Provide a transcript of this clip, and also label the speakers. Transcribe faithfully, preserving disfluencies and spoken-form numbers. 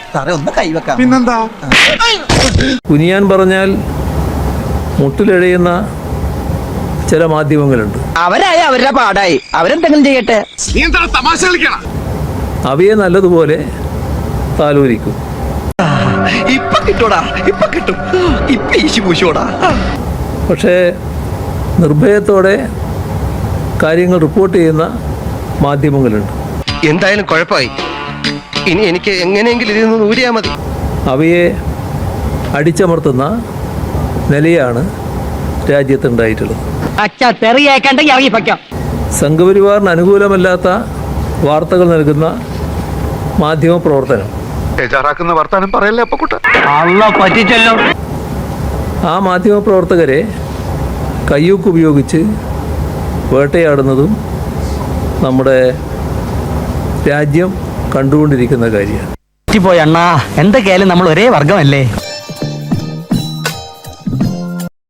Speaker 1: സാറേ ഒന്ന് കൈവെക്കാം.
Speaker 2: പിന്നെന്താ?
Speaker 3: കുനിയാൻ പറഞ്ഞാൽ മുട്ടിലെഴയുന്ന ചില മാധ്യമങ്ങളുണ്ട്.
Speaker 1: അവരായ അവരുടെ പാടായി, അവരെന്തെങ്കിലും ചെയ്യട്ടെ.
Speaker 2: നീ എന്താ തമാശ കളിക്കണം?
Speaker 3: അവയെ നല്ലതുപോലെ താലോലിക്കും.
Speaker 1: ഇപ്പൊ കിട്ടൂടാ, ഇപ്പൊ കിട്ടും, ഇപ്പൊ ഈശി പൂശോടാ.
Speaker 3: പക്ഷേ നിർഭയത്തോടെ കാര്യങ്ങൾ റിപ്പോർട്ട് ചെയ്യുന്ന മാധ്യമങ്ങളുണ്ട്.
Speaker 4: എന്തായാലും കുഴപ്പമായി. ഇനി എനിക്ക് എങ്ങനെയെങ്കിലും ഇതിൽ നിന്ന് ഊരിയാൽ മതി.
Speaker 3: അവയെ അടിച്ചമർത്തുന്ന നിലയാണ് രാജ്യത്തുണ്ടായിട്ടുള്ളത്. സംഘപരിവാറിന് അനുകൂലമല്ലാത്ത വാർത്തകൾ നൽകുന്ന മാധ്യമ പ്രവർത്തനം
Speaker 2: ബേജാറാക്കുന്ന വർത്താനം പറയല്ലേ അപ്പക്കുട്ട.
Speaker 3: ആ മാധ്യമ പ്രവർത്തകരെ കയ്യൂക്ക് ഉപയോഗിച്ച് വേട്ടയാടുന്നതും നമ്മുടെ രാജ്യം കണ്ടുകൊണ്ടിരിക്കുന്ന കാര്യമാണ്.
Speaker 5: പോയി അണ്ണാ, എന്തൊക്കെയായാലും നമ്മൾ ഒരേ വർഗമല്ലേ.